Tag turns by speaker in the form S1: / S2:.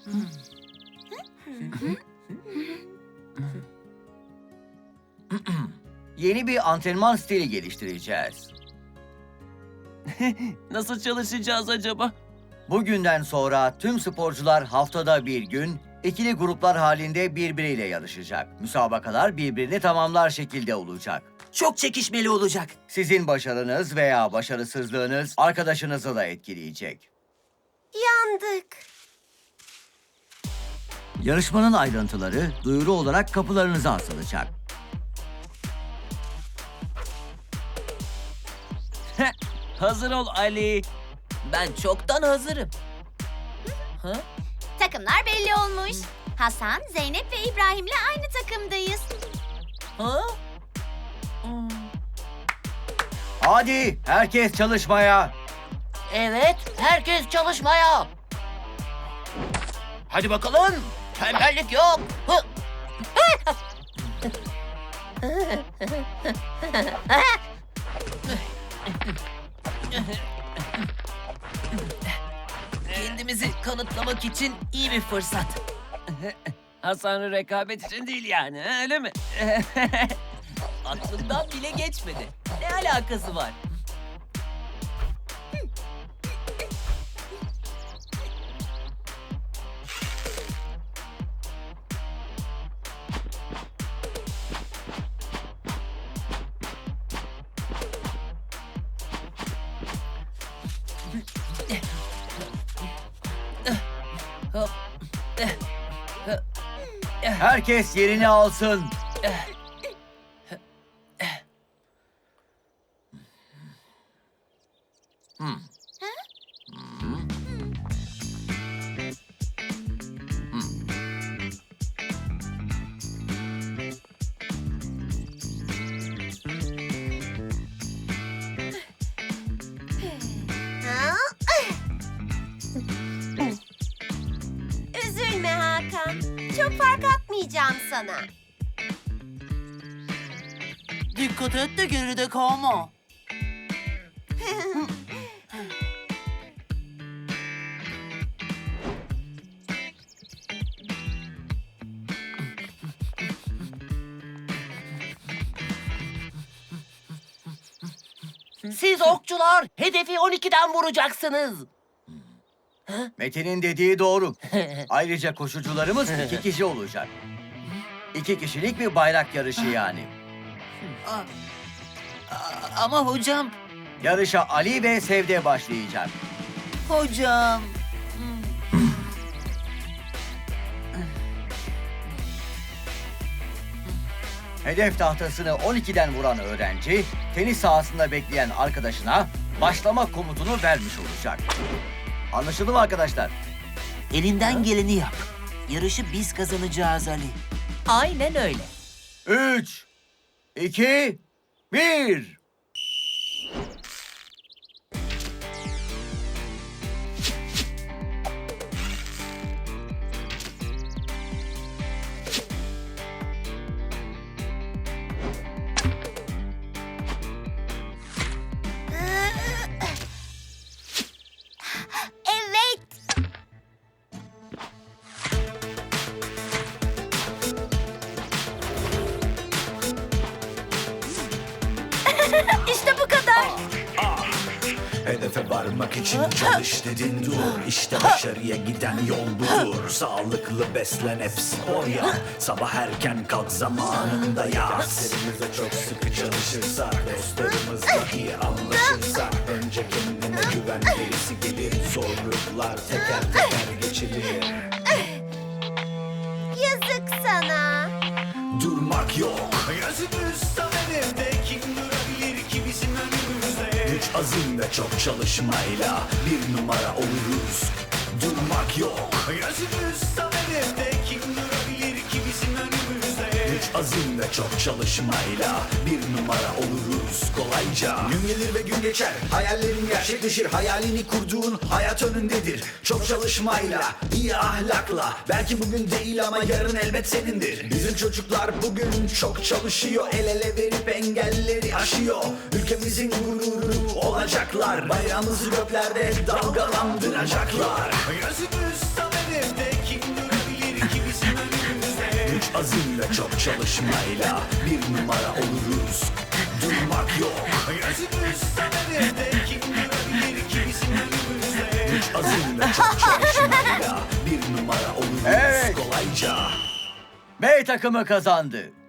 S1: Yeni bir antrenman stili geliştireceğiz.
S2: Nasıl çalışacağız acaba?
S1: Bugünden sonra tüm sporcular haftada bir gün ikili gruplar halinde birbiriyle yarışacak. Müsabakalar birbirini tamamlar şekilde olacak.
S3: Çok çekişmeli olacak.
S1: Sizin başarınız veya başarısızlığınız arkadaşınızı da etkileyecek.
S4: Yandık.
S1: Yarışmanın ayrıntıları duyuru olarak kapılarınıza asılacak.
S2: Hazır ol Ali.
S3: Ben çoktan hazırım.
S4: Takımlar belli olmuş. Hasan, Zeynep ve İbrahim'le aynı takımdayız.
S3: Ha?
S1: Hadi herkes çalışmaya.
S3: Evet, herkes çalışmaya. Hadi bakalım. Tembellik yok. Hı. Kendimizi kanıtlamak için iyi bir fırsat.
S2: Hasan'ın rekabet için değil yani, öyle mi?
S3: Aklımdan bile geçmedi. Ne alakası var?
S1: Herkes yerini alsın.
S4: Üzülme Hakan. Çok fark atmayacağım sana.
S3: Dikkat et de geride kalma. Siz okçular hedefi 12'den vuracaksınız.
S1: Metin'in dediği doğru. Ayrıca koşucularımız 2 kişi olacak. 2 kişilik bir bayrak yarışı yani.
S3: Ama hocam...
S1: Yarışa Ali ve Sevde başlayacak.
S3: Hocam...
S1: Hedef tahtasını 12'den vuran öğrenci, tenis sahasında bekleyen arkadaşına başlama komutunu vermiş olacak. Anlaşıldı mı arkadaşlar?
S3: Elinden geleni yap. Yarışı biz kazanacağız Ali. Aynen öyle.
S1: 3, 2, 1.
S4: Evet. İşte bu kadar.
S5: Hedefe varmak için çalış dedin dur. İşte başarıya giden yol budur. Sağlıklı beslen hep spor yap. Sabah erken kalk zamanında yat. Derslerimizde çok sıkı çalışırsak, dostlarımızla iyi anlaşırsak, önce kendine güven gerisi gelir. Zorluklar teker teker geçilir.
S4: Yazık sana.
S5: Durmak yok. Gözümüz tam hedefte, kim durabilir ki bizim önümüzde? Güç, azim ve çok çalışmayla bir numara oluruz. Durmak yok. Gözümüz tam hedefte, kim durabilir ki bizim önümüzde? Güç, azim ve çok çalışmayla bir numara oluruz kolayca. Gün gelir ve gün geçer, hayallerin gerçekleşir. Hayalini kurduğun hayat önündedir. Çok çalışmayla, iyi ahlakla, belki bugün değil ama yarın elbet senindir. Bizim çocuklar bugün çok çalışıyor, el ele verip engelleri aşıyor. Ülkemizin gururu olacaklar, bayrağımızı göklerde dalgalandıracaklar. Gözümüz tam hedefte, kim azim ve çok çalışmayla bir numara oluruz. Durmak yok. Gözümüz sahnede kim durabilir ki bizim önümüzde? Güç, azim ve çok çalışmayla bir numara oluruz
S1: Evet.
S5: kolayca.
S1: B takımı kazandı.